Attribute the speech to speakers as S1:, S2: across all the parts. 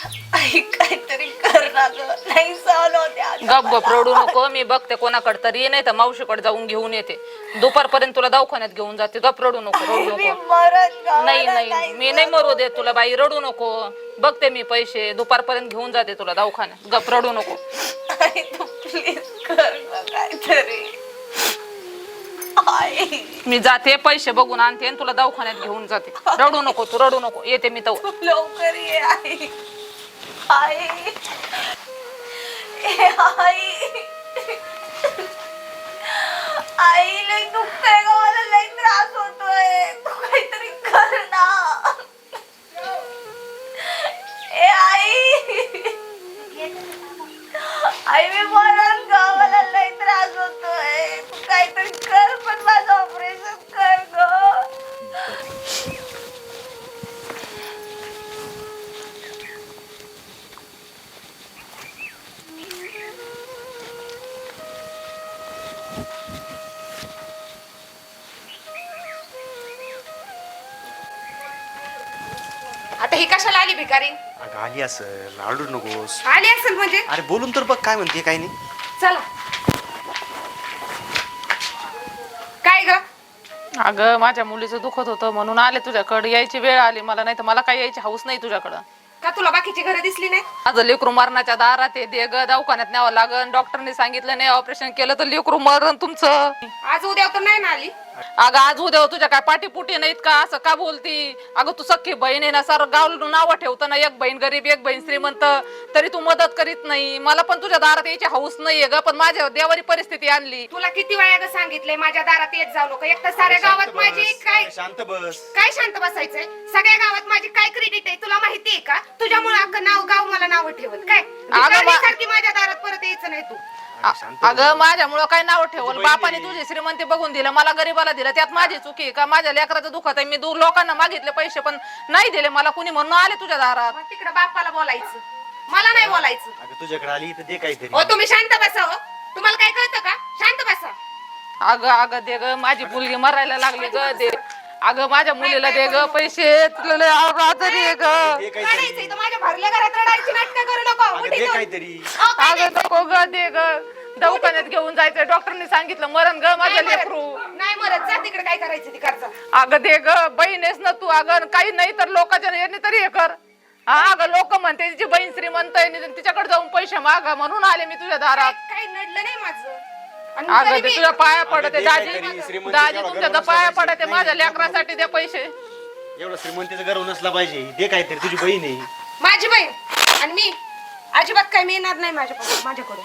S1: आई काहीतरी कर ना ग, नाही सहन होते आता
S2: गप गप
S1: मला.
S2: रडू नको. मी बघते कोणाकडे तरी नाही तर मावशीकडे जाऊन घेऊन येते. दुपारपर्यंत तुला दवाखान्यात घेऊन जाते. गप रडू नको, रडू
S1: मी
S2: नको.
S1: मरण
S2: नाही
S1: गावाला
S2: नाही मी नाही मरू दे तुला बाई, रडू नको. बघते मी पैसे दुपारपर्यंत घेऊन जाते तुला दवाखान्यात. गप रडू नको.
S1: आई तू प्लीज कर ना काहीतरी. आई
S2: मी जाते पैसे बघून आणते आणि तुला दवाखान्यात घेऊन जाते. रडू नको तू, रडू नको. येते मी तर.
S1: तू लवकर ये आई. आई ए आई आई लय दुखतंय ग, मला लय त्रास होतोय. तू काहीतरी कर ना. ए आई आई मी मरण ग, मला लय त्रास होतोय. तू काहीतरी कर, पण माझं ऑपरेशन कर ग.
S3: आता ही कशाला आली भिकारी?
S4: अगं आली असेल, आडू नकोस.
S3: आली असेल म्हणजे?
S4: अरे बोलून तर बघ काय म्हणते काय नाही.
S3: चला. काय ग?
S2: अगं माझ्या मुलीचं दुखत होतं म्हणून आले तुझ्याकडे. यायची वेळ आली मला, नाही तर मला काही यायची हौस नाही तुझ्याकडं.
S3: का तुला बाकीची घरं दिसली नाही?
S2: माझं लेकरू मरणाच्या दारात आहे. दे ग, दवाखान्यात न्यावं लागन. डॉक्टरने सांगितलं नाही ऑपरेशन केलं तर लेकरू मरण तुमचं.
S3: आज उद्या तर नाही ना आली.
S2: अगं आज उद्या तुझ्या काय पाठीपुटी नाहीत का? असं का बोलती? अगं तू सख्खी बहीण आहे ना, सारं गाव नाव ठेवतं ना, एक बहीण गरीब एक बहीण श्रीमंत, तरी तू मदत करीत नाही. मला पण तुझ्या दारात यायची हौस नाहीये ग, पण माझ्या देवारी परिस्थिती आणली.
S3: तुला किती वेळा ग सांगितलंय माझ्या दारात येत जाऊ नको. एक तर साऱ्या गावात माझी काय
S4: शांत बस.
S3: काय शांत बसायचंय? सगळ्या गावात माझी काय क्रेडिट आहे तुला माहितीये का? तुझ्यामुळे अख्खं गाव मला नाव ठेवत काय? सारखी माझ्या दारात परत यायचं नाही तू.
S2: अगं माझ्यामुळं काय नाव ठेवल? बापाने तुझी श्रीमंती बघून दिलं, मला गरीबाला दिलं. त्यात माझी चुकी का? माझ्या लेकराचं दुखत आहे. मी दूर लोकांना मागितले पैसे पण नाही दिले मला कुणी, म्हणून आले तुझ्या दारात.
S3: मग तिकडे बापाला बोलायचं, मला नाही बोलायचं.
S4: अगं तुझ्याकडे आली तर दे काहीतरी.
S3: हो तुम्ही शांत बसा. हो तुम्हाला काय कळतं का? शांत बसा.
S2: अगं अगं दे ग, माझी मुलगी मरायला लागली ग. दे अगं माझ्या मुलीला दे ग पैसे. तुला लय आजारी आहे ग.
S4: दे काहीतरी.
S3: रडायचंय तर माझ्या भरल्या घरात रडायची नाटकं करू नको.
S4: अगं
S3: उठी
S4: दे
S3: जाऊन.
S4: काहीतरी.
S3: अहो, काय
S2: अगं नको ग, दे ग. दवाखान्यात घेऊन जायचंय. डॉक्टरने सांगितलं मरण ग माझं
S3: नाही
S2: लेकरू.
S3: मरत. नाही मरत. जा तिकडे काय करायचं ती करचा.
S2: अगं दे ग, बहीणेस ना तू. अगं काही नाही तर लोकांच्या याने तरी हे कर. हा अगं लोक म्हणते तिची बहीण श्रीमंत आहे, तिच्याकडे जाऊन पैसे मागा म्हणून आले मी तुझ्या दारात.
S3: काही नडलं नाही माझं. आणि
S2: अगं
S3: तरी
S2: ते
S3: मी-
S2: तुझ्या पाया पडते
S4: दे
S2: दाजी.
S4: काहीतरी. श्रीमंतीच्या
S2: दाजी
S4: घरावर
S2: तुमच्या
S4: नसला
S2: पाया
S4: पाहिजे.
S2: पडते. माझ्या
S4: नाही,
S2: लेकरासाठी दे पैसे.
S4: एवढं श्रीमंतीचं गर्व नसला पाहिजे. दे काहीतरी, तुझी बहीण आहे.
S3: माझी बहीण आणि मी अजिबात काय मिळणार नाही माझ्याकडून.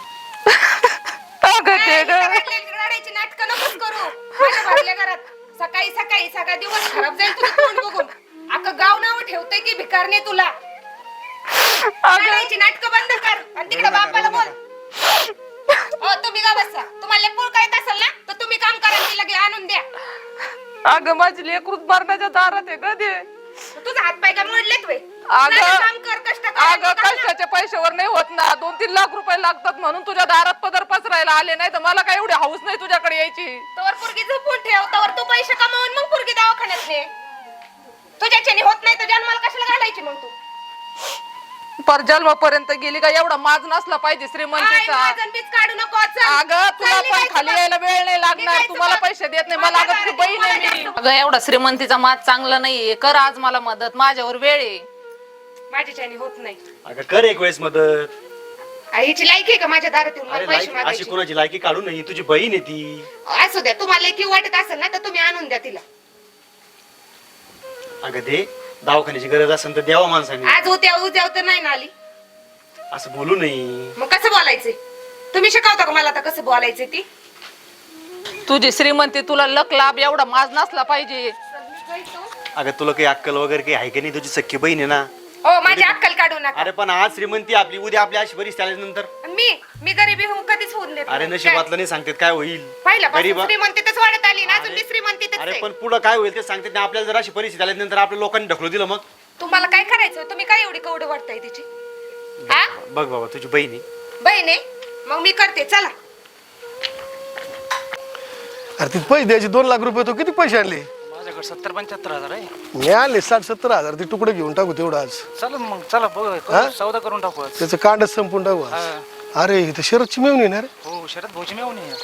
S2: अगं दे ग.
S3: रडायची नाटकं नकोच करू. माझ्या भरल्या घरात सकाळी सकाळी सगळा दिवस खराब जाईल तुझं तोंड बघून. अख्खं गाव नाव ठेवतंय की भिकारने तुला. रडायची नाटकं बंद कर आणि तिकडे बापाला बोल. हो तुम्ही का बसा. तुम्हाला पोळ काय असेल ना तर तुम्ही काम करा. ती लगे आणून द्या.
S2: अगं माझी लेकरू मरणाच्या दारात आहे ग. दे
S3: तुझा हात पाय का मोडलेत वे.
S2: अगं
S3: काम कर कष्ट कर.
S2: अगं कष्टाच्या पैशावर नाही होत ना. 2-3 लाख रुपये लागतात म्हणून तुझ्या दारात पदर पसरायला आले. नाही तर मला काय एवढी हौस नाही तुझ्याकडे यायची.
S3: तवर पुरगी झोपून ठेव. तवर तू पैसे कमावून मग पुरगी दवाखान्यात ने. तुझ्याच्याने होत नाही तर जन्माला कशाला घालायची मग तू?
S2: पर जन्मापर्यंत गेली का एवढा माज नसला पाहिजे श्रीमंतीचा.
S3: आई, माझं बीज काढू नको. चल.
S2: अगं तुला
S3: चालली
S2: पण
S3: जायचं
S2: खाली
S3: बघ.
S2: यायला वेळ नाही लागणार.
S3: निघायचं
S2: तुम्हाला
S3: बघ.
S2: पैसे देत नाही मला.
S3: माझ्या
S2: अगं तुझी
S3: दारात
S2: बहीण आहे
S3: तुम्हाला
S2: मी.
S3: जास्त.
S2: अगं एवढा श्रीमंतीचा माज चांगला नाहीये. कर आज मला मदत. माझ्यावर वेळ आहे.
S3: माझ्याच्याने होत नाही.
S4: अगं कर एक वेळेस मदत.
S3: आईची लायकी आहे का माझ्या दारात येऊन मला
S4: अरे
S3: पैसे
S4: लायकी अशी
S3: मागायची?
S4: कोणाची लायकी काढू नये. तुझी बहीण आहे ती.
S3: असू द्या. तुम्हाला लायकी वाटत असेल ना तर तुम्ही आणून द्या तिला.
S4: अगं दे. दवाखान्याची गरज असेल तर द्यावा माणसाने.
S3: आज उद्या तर नाही ना आली.
S4: असं बोलू नये.
S3: मग कसं बोलायचंय? तुम्ही शिकवता का मला आता कसं बोलायचंय ती?
S2: तुझी श्रीमंती तुला लक लाभ एवढा माज नसला पाहिजे.
S4: अगं तुला काही अक्कल वगैरे काही आहे का नाही? तुझी सख्खी बहीण आहे ना.
S3: हो माझी अक्कल काढू नका.
S4: अरे पण आज श्रीमंती आपली, उद्या आपली अशी परिस्थिती आल्यानंतर
S3: मी गरीबी होऊन कधीच होऊन देत
S4: अरे
S3: नाही.
S4: नशिबातलं नाही सांगतात काय होईल.
S3: पहिल्यापासून
S4: गरीबा-
S3: श्रीमंतीतच वाढत आली ना. अजून
S4: अरे-
S3: ती श्रीमंतीतच
S4: अरे
S3: आहे.
S4: पण पुढं काय होईल ते सांगतात नाही. आपल्याला जर अशी परिस्थिती आल्यानंतर आपल्या लोकांनी ढकलू दिलं मग.
S3: तुम्हाला काय करायचं? तुम्ही काय एवढी कवडं वाटताय तिची? हा
S4: बघ बाबा तुझी बहीण आहे.
S3: बहीण आहे मग मी करते. चला.
S5: अरे तिथे पैसे द्यायचे 2 लाख रुपये. तो किती पैसे आणले?
S4: माझ्याकडे
S5: माझ्याकडे 70-75 हजार आहे.
S6: मी आले 60-70 हजार ते तुकडे घेऊन टाकू तेवढं आज.
S5: चला मग चला बघ
S6: हा?
S5: सौदा करून टाकू आज.
S6: त्याचं कांडच संपून टाकू आज.
S5: हा.
S6: अरे इथं शरदची मिळून येणार
S5: हो शरद भाऊची मेवणी आहे.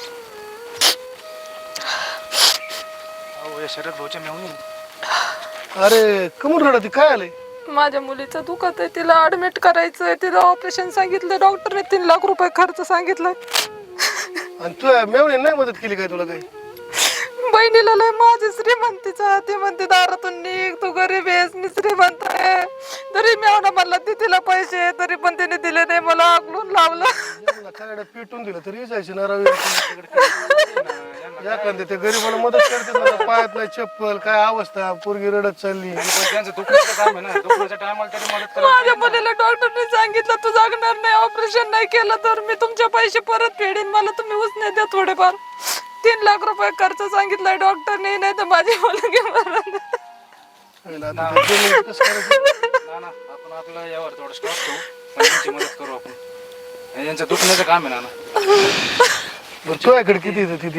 S5: हो या शरद भाऊच्या मेवणी.
S6: अरे कमून रडती काय आलंय?
S2: माझ्या मुलीचं दुखत आहे, तिला ऍडमिट करायचंय, तिला ऑपरेशन सांगितलं डॉक्टरने, 3 लाख रुपये खर्च सांगितलाय.
S6: आणि तू मेवणी नाही मदत केली काय तुला काही?
S2: बहिणीला लय माझी श्रीमंतीचा, ती म्हणते दारातून निघ, तू गरीब आहेस, मी श्रीमंत आहे. तरी मी म्हणला ती तिला पैसे, तरी पण तिने दिले नाही, मला आगलून लावलं.
S6: काय पेटून दिलं तरी जायचं ना रवी. एखाद्या त्या गरीबाला मदत करते ना, पायात नाही चप्पल, काय अवस्था, पोरगी रडत चालली.
S5: त्यांचं दुखण्याचं काम आहे ना, दुखण्याच्या टायमाला तरी मदत करा.
S2: माझ्या मुलीला डॉक्टरने सांगितलं तू जागणार नाही, ऑपरेशन नाही केलं तर मी तुमचे पैसे परत फेडीन, मला तुम्ही उसने द्या थोडेफार. 3 लाख रुपये खर्च सांगितलाय डॉक्टरने, नाही तर माझी मुलगी मरण.
S6: आता ते जमीन कसं करायचं?
S5: ना आपण आपलं यावर थोडं स्टॉप ठेवू, पण यांची मदत करू आपण. यांचं दुखण्याचं काम आहे ना.
S6: बरं, तुझ्याकडे किती येतं तिथे?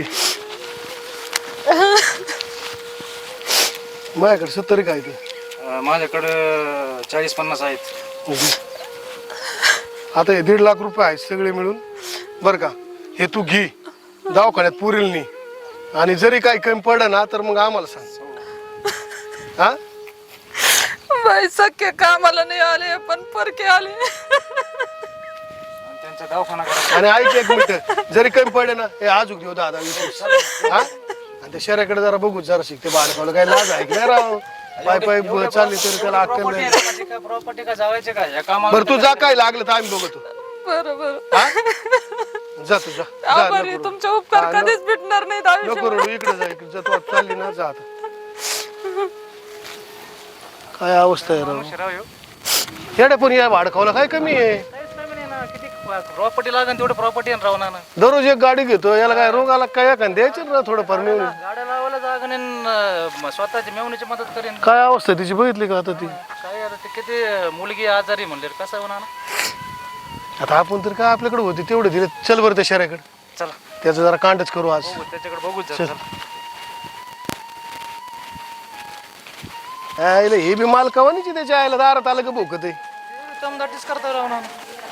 S6: माझ्याकडे 70 काय ते.
S5: माझ्याकडं 40-50 आहेत.
S6: आता हे 1.5 लाख रुपये आहेत सगळे मिळून बरं का. हे तू घे दवाखान्यात पुरेल नाही, आणि जरी काही कमी पडलं ना तर मग आम्हाला सांग. हा
S2: बाई सख्खे कामाला नाही आले पण परके आले.
S5: आणि त्यांचा दवाखाना करा.
S6: आणि ऐक 1 मिनिट, जरी कमी पडले ना हे आजूक देऊ 10-20. हा आणि त्या शहराकडे जरा बघू, जरा शिकते बाळकाला काय लाज आहे की नाही राव. पाय पाय चालली तरी त्याला अक्कल नाही.
S5: प्रॉपर्टी का जावायचे का या कामाला?
S6: बरं तू जा, काय लागलं तर आम्ही बघतो.
S2: बरोबर.
S6: हा जा तू जा, जा,
S2: आभारी,
S6: नको रडू.
S2: तुमचे उपकार
S6: हा,
S2: कधीच भेटणार नाहीत
S6: नको
S2: आयुष्यात.
S6: रडू, इकडे जा, इकडे जा, तू आता चालली ना, जा आता. काय अवस्था आहे राव.
S5: राव ह्यो.
S6: येडे पण या भाडखावला काय कमी आहे?
S5: काहीच नाही म्हणे ना, किती प्रॉपर्टी लागेल तेवढं प्रॉपर्टी राहू ना.
S6: दररोज एक गाडी घेतो, याला काय रोग आला काय एखाद द्यायचं ना थोडंफार मिळून.
S5: गाड्या लावायला जागा नाही न, स्वतःची मेवणीची मदत करेन.
S6: काय अवस्था तिची बघितली का आता ती?
S5: काय आता ते किती मुलगी आजारी म्हणले कसं होणार ना.
S6: आता आपण तर काय आपल्याकडे होती तेवढे दिले. चल बरं त्या शहराकडे,
S5: चला
S6: त्याचं जरा कांडच करू आज.
S5: बघू त्याच्याकडे बघूच
S6: चल.
S5: चला.
S6: आईला हे बी मालकावानीची त्याच्या आईला दारात आलं का भोकत आहे.
S5: दमदाटीच करता राहू ना.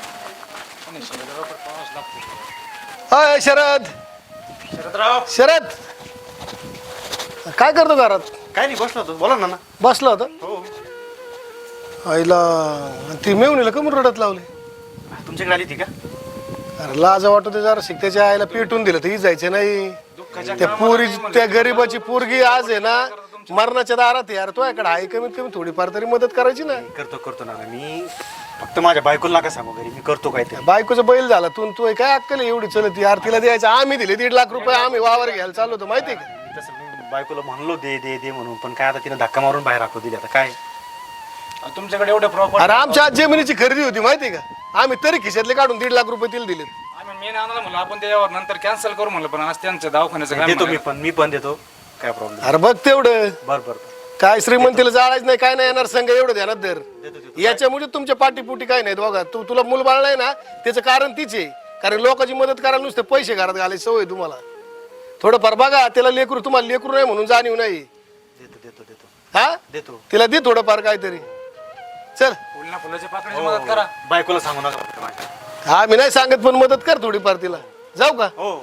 S6: अय शरद,
S4: शरदराव
S6: शरद काय करतो घरात?
S4: काय नाही, बसलो होतो, बोला ना.
S6: बसला होता.
S4: हो
S6: आईला ती मेवणीला कमून रडत लावली.
S4: तुमच्याकडे आली ती का?
S6: अरे लाज वाटते जरा शिक, त्याच्या आईला पेटून दिलं तर ही जायचं नाही. त्या पोरी, त्या गरीबाची पोरगी आज आहे ना मरणाच्या दारात. यार तो याकडे आहे, कमीत कमी थोडीफार तरी मदत करायची ना.
S4: करतो ना मी, फक्त माझ्या बायकोला नका सांगू घरी, मी करतो काय ते.
S6: बायकोचा बैल झाला तू तू काय अक्कल आहे एवढी चलत? यार तिला द्यायचं, आम्ही दिले 1.5 लाख रुपये, आम्ही वावर घ्यायला चाललो होतो माहिती आहे का.
S4: तसं मी बायकोला म्हणलो दे दे दे म्हणून, पण काय आता तिने धक्का मारून बाहेर राखू दिली. आता काय
S5: तुमच्याकडे एवढे प्रॉपर्टी.
S6: अरे आमच्या आज जमिनीची खरेदी होती माहिती आहे का, आम्ही तरी खिशातले काढून 1.5 लाख रुपये तिला दिलेत.
S5: आम्ही मेन आणायला म्हणलं आपण त्याच्यावर नंतर कॅन्सल करू म्हणलं, पण आज त्यांचं दवाखान्याचं काम
S4: देतो
S5: म्हणलं.
S4: मी पण देतो, काय प्रॉब्लेम.
S6: अरे बघ तेवढं
S4: बर
S6: काय श्रीमंतीला जाळायचं नाही, काय नाही येणार संघ, एवढं ध्यानात धर. याच्यामुळे तुमच्या पाठीपुटी काय नाही बघा. तुला मूलबाळ नाही ना, त्याचं कारण तीच आहे. कारण लोकांची मदत करायला नुसते पैसे घरात घालायची सवय तुम्हाला. थोडंफार बघा, त्याला लेकरू, तुम्हाला लेकरू नाही म्हणून जाणीव नाही.
S4: देतो
S6: हा
S4: देतो.
S6: तिला दे थोडंफार काहीतरी. चल
S5: फुलना फुलाच्या पाकळीची मदत करा.
S4: बायकोला सांगू नका फक्त माझ्या.
S6: हा मी नाही सांगत, पण मदत कर थोडीफार तिला. जाऊ का?
S4: हो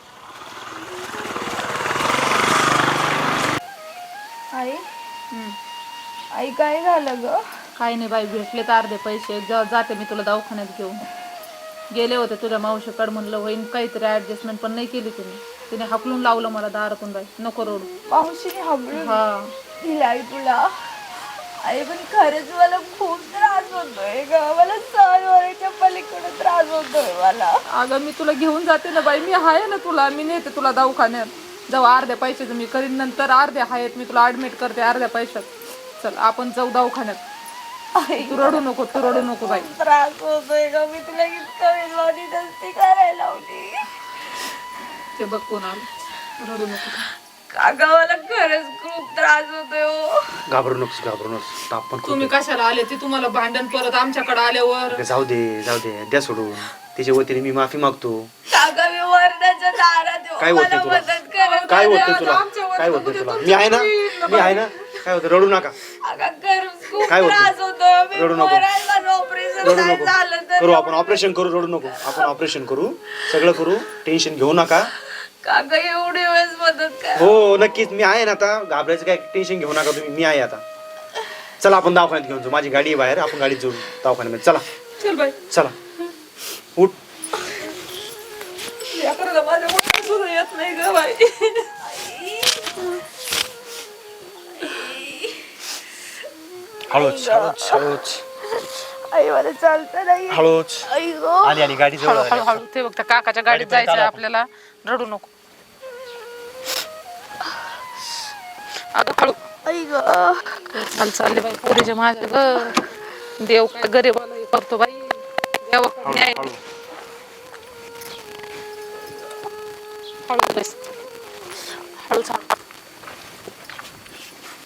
S1: आई आई काय झालं ग?
S2: काही नाही बाई, भेटले तर अर्धे पैसे जाते मी तुला दवाखान्यात घेऊन. गेले होते तुझ्या मावशीकडे, म्हणलं होईन काहीतरी ऍडजस्टमेंट, पण नाही केली तिने हाकलून लावलं मला दारातून. बाई नको रडू.
S1: मावशीने हाबळून
S2: हा
S1: दिलाय तुला? आई पण खरंच मला खूप त्रास होतोय ग, मला सहन होण्याच्या पलीकडे त्रास होतोय मला.
S2: अगं मी तुला घेऊन जाते ना बाई, मी आहे ना तुला, मी नेते तुला दवाखान्यात. जाऊ, अर्ध्या पैशाचं मी करीन, नंतर अर्धे आहेत मी तुला ऍडमिट करते अर्ध्या पैशात. चल आपण जाऊ दवाखान्यात.
S1: आई
S2: तू रडू नको बाई.
S1: खूप त्रास होतोय ग, मी तुला इतकं विनवणी नसती करायला लावली.
S2: ते बघ कोण आलं, रडू नको.
S1: काका मला खरंच खूप त्रास होतोय हो.
S4: घाबरू नकोस, ताप पण खूप
S2: तुम्ही कशाला आले ते तुम्हाला भांडण परत आमच्याकडे आल्यावर?
S4: आहे. जाऊ दे द्या सोडून. तिच्या वतीने मी माफी मागतो.
S1: काका मी वरणाच्या दारात येऊ,
S4: काय
S1: मला
S4: होतंय तुला?
S1: मदत करा.
S4: काय होतंय तुला? काय होतंय तुला? मी आहे ना, मी आहे ना. काय होतं, रडू नका.
S1: अगं घर खूप
S4: काय होतं?
S1: त्रास होतो.
S4: रडू
S1: मी
S4: नको.
S1: मरायला माझं ऑपरेशन
S4: रडू
S1: नाही
S4: नको.
S1: झालं तर
S4: करू आपण ऑपरेशन करू, रडू नको. आपण ऑपरेशन करू, सगळं करू, टेन्शन घेऊ नका.
S1: काका एवढी वेळेस मदत कर.
S4: हो नक्कीच मी आहे ना. आता घाबरायचं काय टेन्शन घेऊ नका तुम्ही, मी आहे आता. चला आपण दवाखान्यात घेऊन जाऊ, माझी गाडी आहे बाहेर, आपण गाडीत जाऊ दवाखान्यामध्ये. चला
S2: चल बाई
S4: चला उठ.
S2: या करता माझ्या मुलाला सुद्धा येत नाही ग बाई.
S4: हळूच हळूच हळूच
S1: आई मला चालतं नाही.
S4: हळूच.
S1: आई गो.
S4: आली आली गाडी जवळ
S2: हळू
S4: आली.
S2: हळू हळू ते बघ त्या काकाच्या गाडीत
S4: गाडीपर्यंत
S2: जायचंय
S4: आलो
S2: आपल्याला. रडू नको अगं हळू.
S1: आई गो.
S2: चाल चालले बाई पोरीच्या माझ्या ग. देव काय गरीबाला हे करतो बाई. देवाकडे न्याय.
S4: हळू.
S2: हळू बस. हळू चाल.